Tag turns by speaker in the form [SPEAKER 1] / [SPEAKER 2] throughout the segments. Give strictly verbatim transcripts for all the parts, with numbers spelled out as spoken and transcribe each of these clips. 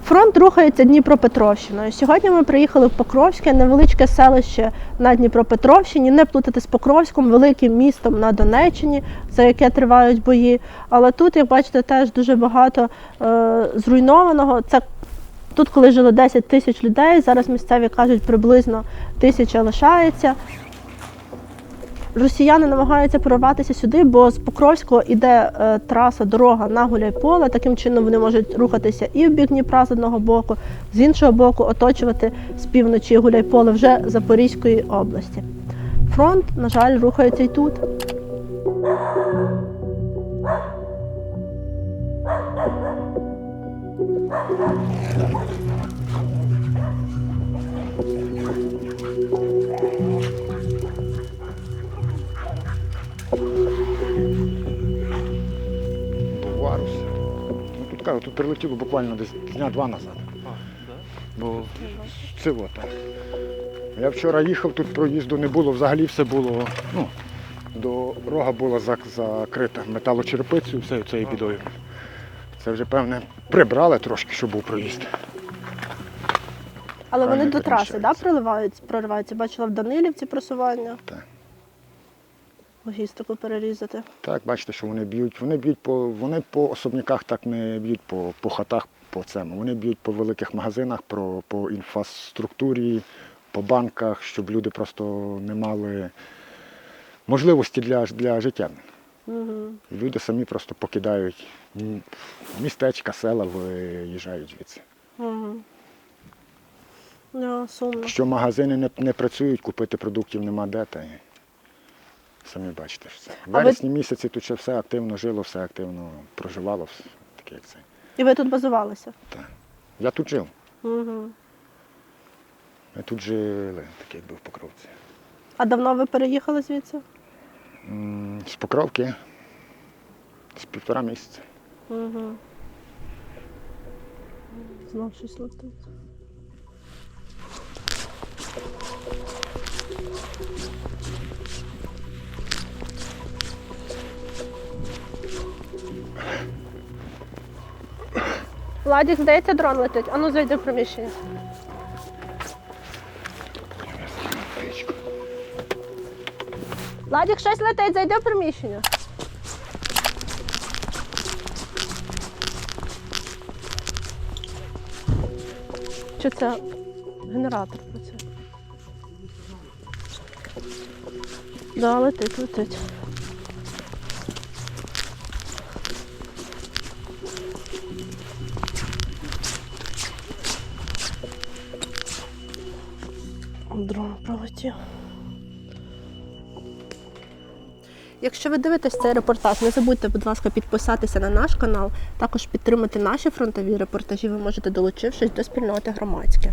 [SPEAKER 1] Фронт рухається Дніпропетровщиною. Сьогодні ми приїхали в Покровське, невеличке селище на Дніпропетровщині, не плутати з Покровськом, великим містом на Донеччині, за яке тривають бої. Але тут, як бачите, теж дуже багато е, зруйнованого. Це тут, коли жило десять тисяч людей, зараз місцеві кажуть, приблизно тисяча лишається. Росіяни намагаються прорватися сюди, бо з Покровського йде е, траса, дорога на Гуляйполе. Таким чином вони можуть рухатися і в бік Дніпра з одного боку, з іншого боку оточувати з півночі Гуляйполе вже Запорізької області. Фронт, на жаль, рухається і тут.
[SPEAKER 2] Варус. Ну, тут кажу, тут прилетіло буквально десь дня два назад. Бо це от так. Я вчора їхав, тут проїзду не було, взагалі все було, ну, дорога була закрита металочерпицею, все цією бідою. Це вже, певне, прибрали трошки, щоб був проїзд.
[SPEAKER 1] Але вони
[SPEAKER 2] Правильно
[SPEAKER 1] до траси, да,
[SPEAKER 2] переміщаються.
[SPEAKER 1] прориваються, прориваються? Бачила в Данилівці просування.
[SPEAKER 2] Так.
[SPEAKER 1] Логістику перерізати.
[SPEAKER 2] Так, бачите, що вони б'ють. Вони б'ють по, вони по особняках так не б'ють по, по хатах, по цьому. Вони б'ють по великих магазинах, про, по інфраструктурі, по банках, щоб люди просто не мали можливості для, для життя.
[SPEAKER 1] Угу.
[SPEAKER 2] Люди самі просто покидають містечка, села, виїжджають звідси.
[SPEAKER 1] Угу. Да, сумно.
[SPEAKER 2] Що магазини не, не працюють, купити продуктів нема де, та й самі бачите, що це. В
[SPEAKER 1] А ви-
[SPEAKER 2] вересні місяці тут ще все активно жило, все активно проживало, все таке як це.
[SPEAKER 1] І ви тут базувалися?
[SPEAKER 2] Так. Я тут жив.
[SPEAKER 1] Угу.
[SPEAKER 2] Ми тут жили, так якби в Покровці.
[SPEAKER 1] А давно ви переїхали звідси?
[SPEAKER 2] М, З Покровки з півтора місяця.
[SPEAKER 1] Угу. Знов щось летить. Владик, здається, дрон летить. Ану, зайди в приміщення. Владик, щось летить, зайди в приміщення. Чи це генератор працює? Да, летить, летить. Дрон пролетів. Якщо ви дивитесь цей репортаж, не забудьте, будь ласка, підписатися на наш канал, також підтримати наші фронтові репортажі ви можете, долучившись до спільноти громадське.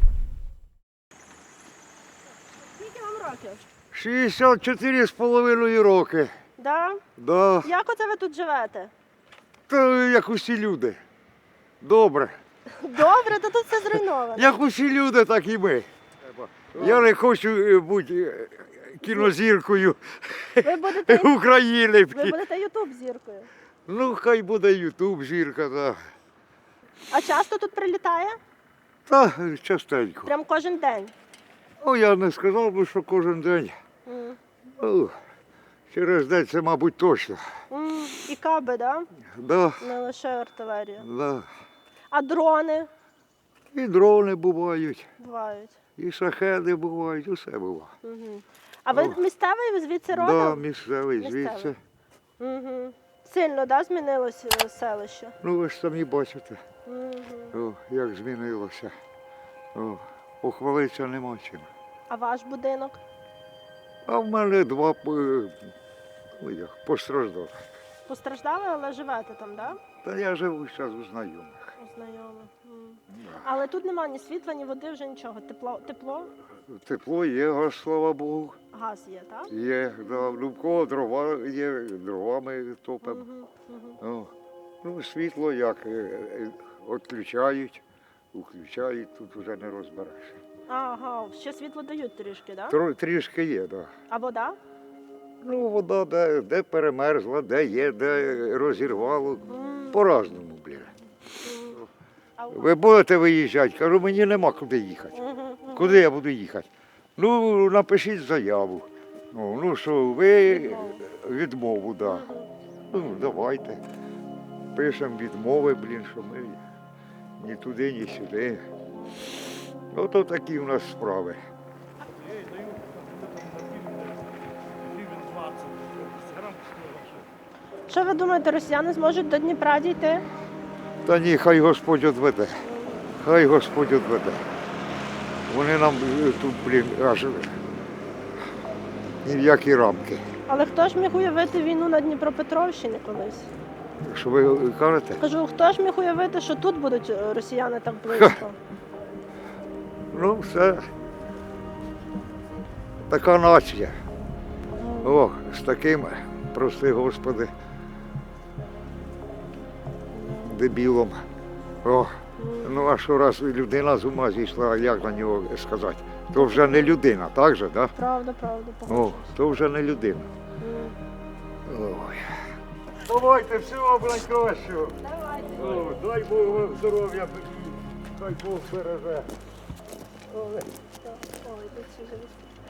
[SPEAKER 1] Скільки вам років?
[SPEAKER 3] шістдесят чотири з половиною роки.
[SPEAKER 1] Да?
[SPEAKER 3] Да.
[SPEAKER 1] Як оце ви тут живете?
[SPEAKER 3] Та як усі люди. Добре.
[SPEAKER 1] Добре, то тут все зруйновано.
[SPEAKER 3] Як усі люди, так і ми. Я не хочу е, бути е, кінозіркою
[SPEAKER 1] Ви будете,
[SPEAKER 3] України.
[SPEAKER 1] ви будете ютуб зіркою.
[SPEAKER 3] Ну, хай буде Ютуб, зірка, так.
[SPEAKER 1] А часто тут прилітає?
[SPEAKER 3] Та частенько.
[SPEAKER 1] Прям кожен день.
[SPEAKER 3] Ну, я не сказав би, що кожен день.
[SPEAKER 1] М.
[SPEAKER 3] Ну, через день це, мабуть, точно.
[SPEAKER 1] М, І каби, да?
[SPEAKER 3] Да,
[SPEAKER 1] Не лише артилерія.
[SPEAKER 3] да.
[SPEAKER 1] А дрони
[SPEAKER 3] І дрони бувають,
[SPEAKER 1] бувають.
[SPEAKER 3] і шахеди бувають, усе буває.
[SPEAKER 1] Угу. А ви
[SPEAKER 3] О.
[SPEAKER 1] місцевий, ви звідси
[SPEAKER 3] Да,
[SPEAKER 1] родом?
[SPEAKER 3] місцевий,
[SPEAKER 1] Місцевий.
[SPEAKER 3] звідси.
[SPEAKER 1] Угу. Сильно, да, змінилося е, селище?
[SPEAKER 3] Ну, ви ж самі бачите,
[SPEAKER 1] Угу.
[SPEAKER 3] о, як змінилося. О, похвалитися нема чим.
[SPEAKER 1] А ваш будинок?
[SPEAKER 3] А в мене два е, ну, як, постраждали.
[SPEAKER 1] Постраждали, але живете там, да?
[SPEAKER 3] Та я живу зараз у знайомих.
[SPEAKER 1] У знайомих. М. Але тут немає ні світла, ні води, вже нічого. Тепло, тепло?
[SPEAKER 3] Тепло є, газ, слава Богу.
[SPEAKER 1] Газ є, так?
[SPEAKER 3] Є, да. Ну, в кого дрова є, дровами топимо.
[SPEAKER 1] Угу. Угу.
[SPEAKER 3] О. Ну, світло як, е, е, відключають, включають, тут вже не розбереш.
[SPEAKER 1] Ага, ще світло дають трішки, так?
[SPEAKER 3] Тро- Трішки є, так. Да.
[SPEAKER 1] А вода?
[SPEAKER 3] Ну, вода де, де перемерзла, де є, де розірвало.
[SPEAKER 1] М,
[SPEAKER 3] По-разному, блін.
[SPEAKER 1] м. А
[SPEAKER 3] Ви будете виїжджати? Кажу, мені нема куди їхати. Куди я буду їхати? Ну, напишіть заяву. Ну, ну що, ви відмову, так. Да. Ну, давайте. Пишемо відмови, блін, що ми ні туди, ні сюди. Ото такі в нас справи.
[SPEAKER 1] Що ви думаєте, росіяни зможуть до Дніпра дійти?
[SPEAKER 3] Та ні, хай Господь одведе. Хай Господь одведе. Вони нам е, тут, блін, аж ні в які рамки.
[SPEAKER 1] Але хто ж міг уявити війну на Дніпропетровщині колись?
[SPEAKER 3] Що ви кажете?
[SPEAKER 1] Кажу, хто ж міг уявити, що тут будуть е, росіяни так близько?
[SPEAKER 3] Ну, все. Така нація. О, з таким, прости Господи, дебілом. О, ну а що раз людина з ума зійшла, як на нього сказати? То вже не людина, так же, так?
[SPEAKER 1] Правда, правда,
[SPEAKER 3] О,
[SPEAKER 1] погоджуюсь.
[SPEAKER 3] то вже не людина.
[SPEAKER 1] М.
[SPEAKER 3] Ой. Давайте, всього найкращого.
[SPEAKER 1] Давайте.
[SPEAKER 3] О, дай Бог вам здоров'я, хай Бог береже.
[SPEAKER 1] Ой, тут всі живуть.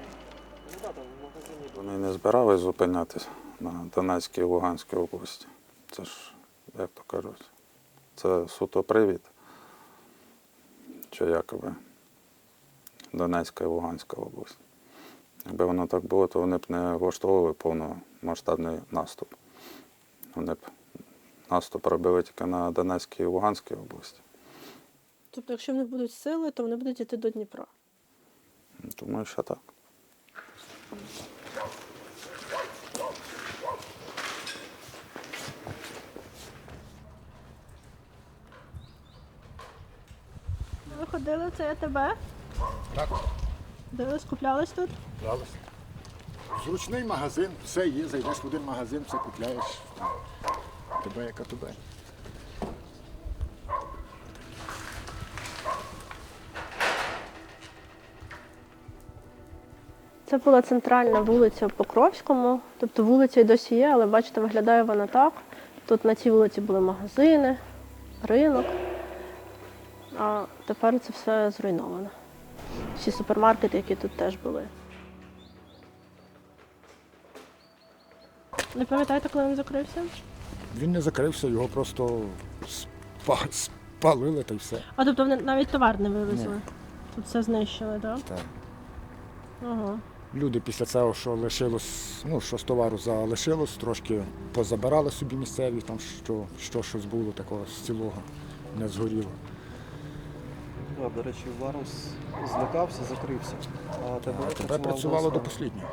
[SPEAKER 4] Вони не збирались зупинятися на Донецькій і Луганській області. Це ж, як то кажуть, це суто привід, що якоби Донецька і Луганська область. Якби воно так було, то вони б не влаштовували повномасштабний наступ. Вони б наступ робили тільки на Донецькій і Луганській області.
[SPEAKER 1] Тобто, якщо в них будуть сили, то вони будуть йти до Дніпра.
[SPEAKER 4] Думаю, що так.
[SPEAKER 1] Ви ходили, це я тебе?
[SPEAKER 2] Так,
[SPEAKER 1] Дивились, куплялись тут?
[SPEAKER 2] правильно. Зручний магазин, все є, зайдеш в один магазин, все купляєш. Тебе яка тебе.
[SPEAKER 1] Це була центральна вулиця в Покровському. Тобто вулиця й досі є, але бачите, виглядає вона так. Тут на цій вулиці були магазини, ринок, а тепер це все зруйновано. Всі супермаркети, які тут теж були. Не пам'ятаєте, коли він закрився?
[SPEAKER 2] Він не закрився, його просто спа- спалили та й все.
[SPEAKER 1] А тобто вони навіть товар не вивезли?
[SPEAKER 2] Ні.
[SPEAKER 1] Тут все знищили, так?
[SPEAKER 2] Так.
[SPEAKER 1] Ага.
[SPEAKER 2] Люди після цього, що лишилось, ну, що з товару залишилось, трошки позабирали собі місцеві, там що, що щось було такого з цілого, не згоріло.
[SPEAKER 5] Да, до речі, Варус злякався, закрився. А тебе
[SPEAKER 2] А тебе працювало до останнього.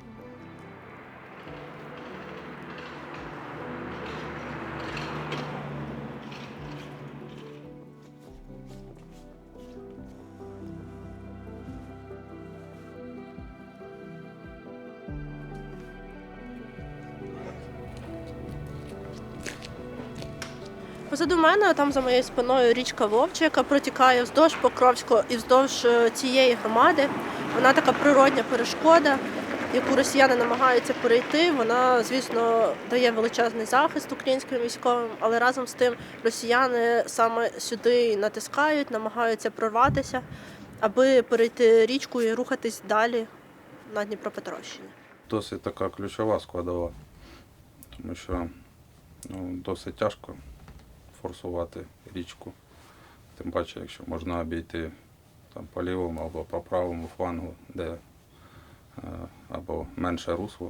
[SPEAKER 1] Позаду мене, там за моєю спиною, річка Вовча, яка протікає вздовж Покровського і вздовж е, цієї громади. Вона така природня перешкода, яку росіяни намагаються перейти. Вона, звісно, дає величезний захист українським військовим, але разом з тим росіяни саме сюди натискають, намагаються прорватися, аби перейти річку і рухатись далі на Дніпропетровщині.
[SPEAKER 4] Досить така ключова складова, тому що ну, досить тяжко форсувати річку. Тим паче, якщо можна обійти там, по лівому або по правому флангу, де е, або менше русло,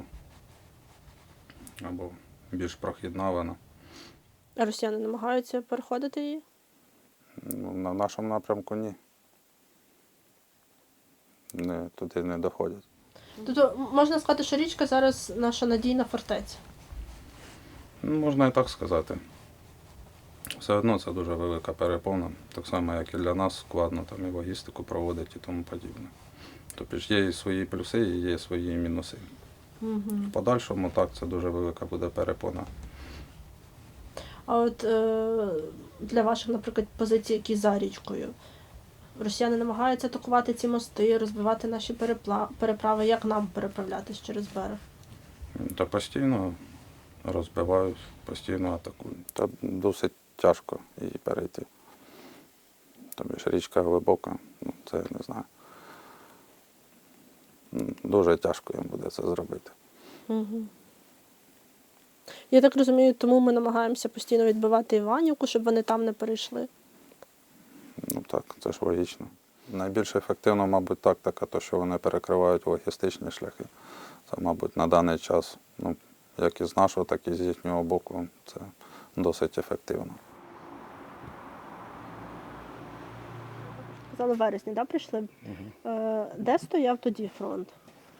[SPEAKER 4] або більш прохідна вона.
[SPEAKER 1] А росіяни намагаються переходити її?
[SPEAKER 4] Ну, на нашому напрямку ні. Не, туди не доходять.
[SPEAKER 1] Тобто можна сказати, що річка зараз наша надійна фортеця.
[SPEAKER 4] Ну, можна і так сказати. Все одно це дуже велика перепона, так само, як і для нас складно там, і логістику проводити і тому подібне. Тобто ж є і свої плюси, і є свої мінуси.
[SPEAKER 1] Угу.
[SPEAKER 4] В подальшому так, це дуже велика буде перепона.
[SPEAKER 1] А от е, для ваших, наприклад, позицій, які за річкою, росіяни намагаються атакувати ці мости, розбивати наші перепла- переправи. Як нам переправлятись через берег?
[SPEAKER 4] Та постійно розбивають, постійно атакують. Та досить тяжко її перейти. Тобі ж річка глибока, ну, це я не знаю. М, Дуже тяжко їм буде це зробити.
[SPEAKER 1] Угу. Я так розумію, тому ми намагаємося постійно відбивати Іванівку, щоб вони там не перейшли.
[SPEAKER 4] Ну так, це ж логічно. Найбільш ефективно, мабуть, тактика, то, що вони перекривають логістичні шляхи. Це, мабуть, на даний час, ну, як і з нашого, так і з їхнього боку, це досить ефективно.
[SPEAKER 1] Казали, в вересні, да, прийшли?
[SPEAKER 2] Угу.
[SPEAKER 1] Е, де стояв тоді фронт?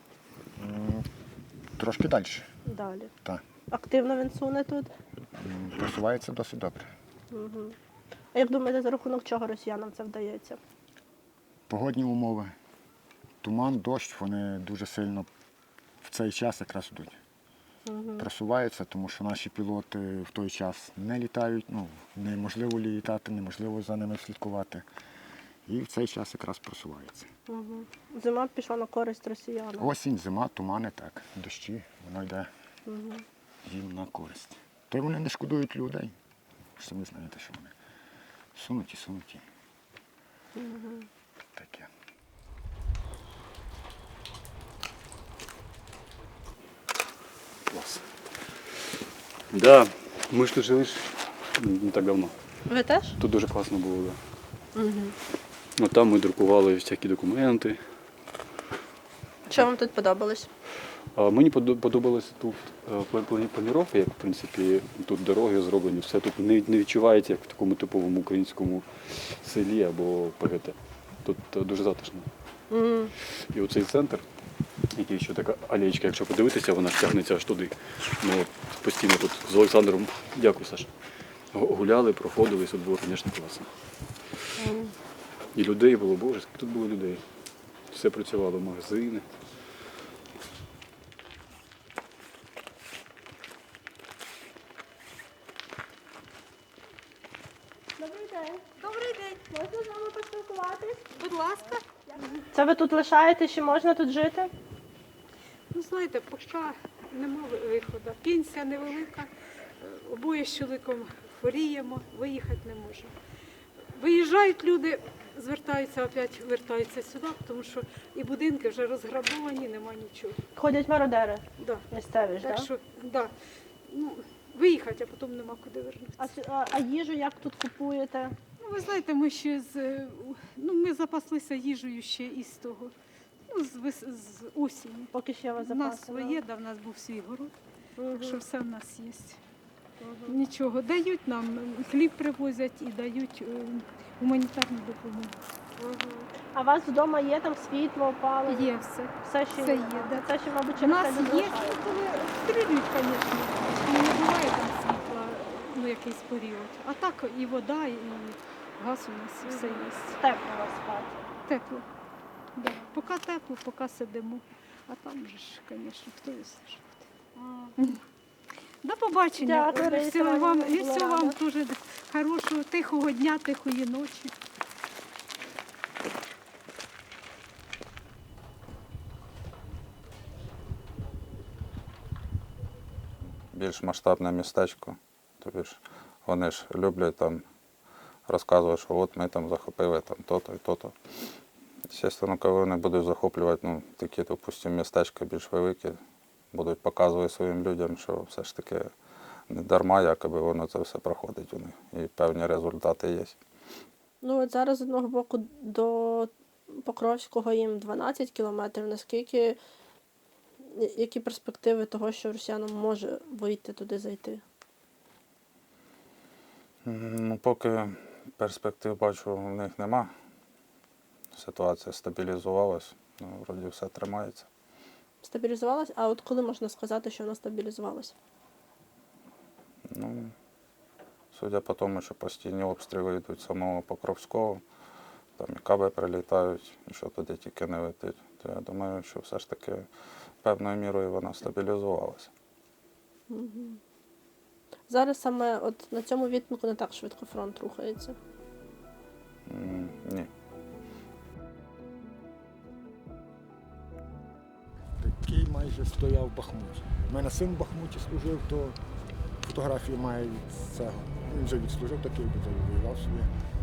[SPEAKER 2] Трошки далі.
[SPEAKER 1] Далі.
[SPEAKER 2] Так.
[SPEAKER 1] Активно він суне тут?
[SPEAKER 2] М, Просувається досить добре.
[SPEAKER 1] Угу. А як думаєте, за рахунок чого росіянам це вдається?
[SPEAKER 2] Погодні умови. Туман, дощ, вони дуже сильно в цей час якраз йдуть.
[SPEAKER 1] Угу.
[SPEAKER 2] Просуваються, тому що наші пілоти в той час не літають, ну, неможливо літати, неможливо за ними слідкувати. І в цей час якраз просуваються.
[SPEAKER 1] Угу. Зима пішла на користь росіянам.
[SPEAKER 2] Осінь, зима, тумани, так, дощі, воно йде
[SPEAKER 1] Угу.
[SPEAKER 2] їм на користь. То й вони не шкодують людей. Ви ж самі знаєте, що вони сунуті, сунуті.
[SPEAKER 1] Угу.
[SPEAKER 2] Таке.
[SPEAKER 6] Класс. Да, ми ж тут жили ж не так давно.
[SPEAKER 1] Ви теж?
[SPEAKER 6] Тут дуже класно було, да.
[SPEAKER 1] Угу.
[SPEAKER 6] Ну, там ми друкували всякі документи.
[SPEAKER 1] Що вам тут подобалось?
[SPEAKER 6] А мені подо- подобалося тут е, пла- плані- планіровка, як в принципі тут дороги зроблені, все тут не, не відчувається, як в такому типовому українському селі або ПГТ. Тут е, дуже затишно.
[SPEAKER 1] Угу.
[SPEAKER 6] І оцей центр, який ще така алеєчка, якщо подивитися, вона ж тягнеться аж туди. Ми от постійно тут з Олександром, дякую, Саш, гу- гуляли, проходили, і тут було, звісно, класно. І людей було, боже, скільки тут було людей. Все працювало, магазини.
[SPEAKER 1] Добрий день. Добрий день. Можна з вами поспілкуватись?
[SPEAKER 7] Будь ласка.
[SPEAKER 1] Це ви тут лишаєте, чи можна тут жити?
[SPEAKER 7] Ну, знаєте, поки нема ви- виходу. Пенсія невелика, е, обоє з чоловіком хворіємо, виїхати не можемо. Виїжджають люди, звертаються, опять вертаються сюди, тому що і будинки вже розграбовані, нема нічого.
[SPEAKER 1] Ходять мародери
[SPEAKER 7] Да.
[SPEAKER 1] місцеві ж,
[SPEAKER 7] Так
[SPEAKER 1] так?
[SPEAKER 7] що, да. Ну, виїхати, а потім нема куди вернутися.
[SPEAKER 1] А, с- а, а їжу як тут купуєте?
[SPEAKER 7] Ну, ви знаєте, ми ще з е, ну, ми запаслися їжею ще із того. Ну, з, вес- з осені.
[SPEAKER 1] Поки ще у вас
[SPEAKER 7] У нас
[SPEAKER 1] запаси?
[SPEAKER 7] своє, да, в нас був свій город,
[SPEAKER 1] Угу.
[SPEAKER 7] так що все в нас є. Нічого, дають нам, хліб привозять і дають е, гуманітарну допомогу.
[SPEAKER 1] А у вас вдома є там світло, опалення?
[SPEAKER 7] Є все.
[SPEAKER 1] Все ще
[SPEAKER 7] Все є, да.
[SPEAKER 1] Це ще, мабуть,
[SPEAKER 7] У
[SPEAKER 1] через
[SPEAKER 7] нас
[SPEAKER 1] це
[SPEAKER 7] є,
[SPEAKER 1] не залишається.
[SPEAKER 7] ну, коли стрілюють, звісно, не буває там світла ну, якийсь період. А так і вода, і газ у нас все є.
[SPEAKER 1] Тепло у вас в хаті.
[SPEAKER 7] Тепло. Да. Поки тепло, поки сидимо. А там же ж, звісно, хто і все ж буде. До побачення.
[SPEAKER 1] Дякую, Раїса
[SPEAKER 7] Всього вам,
[SPEAKER 1] Іванівна,
[SPEAKER 7] і
[SPEAKER 1] була
[SPEAKER 7] всього вам
[SPEAKER 1] рада.
[SPEAKER 7] дуже хорошого, тихого дня, тихої ночі.
[SPEAKER 4] Більш масштабне містечко. Тобі ж вони ж люблять там розказувати, що от ми там захопили там то-то і то-то. Звісно, коли вони будуть захоплювати ну, такі, допустимо, містечка більш великі, будуть показувати своїм людям, що все ж таки не дарма, якоби воно це все проходить у них. І певні результати є.
[SPEAKER 1] Ну от зараз з одного боку до Покровського їм дванадцять кілометрів. Наскільки, які перспективи того, що росіянам може вийти туди зайти?
[SPEAKER 4] Ну, поки перспектив бачу, в них нема. Ситуація стабілізувалась, ну, вроді все тримається.
[SPEAKER 1] Стабілізувалась? А от коли можна сказати, що вона стабілізувалась?
[SPEAKER 4] Ну, судя по тому, що постійні обстріли йдуть з самого Покровського, там і каби прилітають, і що туди тільки не летить, то я думаю, що все ж таки певною мірою вона стабілізувалася.
[SPEAKER 1] Угу. Зараз саме от на цьому відтинку не так швидко фронт рухається.
[SPEAKER 4] М, Ні.
[SPEAKER 2] Такий майже стояв в Бахмуті. У мене син в Бахмуті служив, то фотографії має від цього. Він вже відслужив такий, бо воював собі.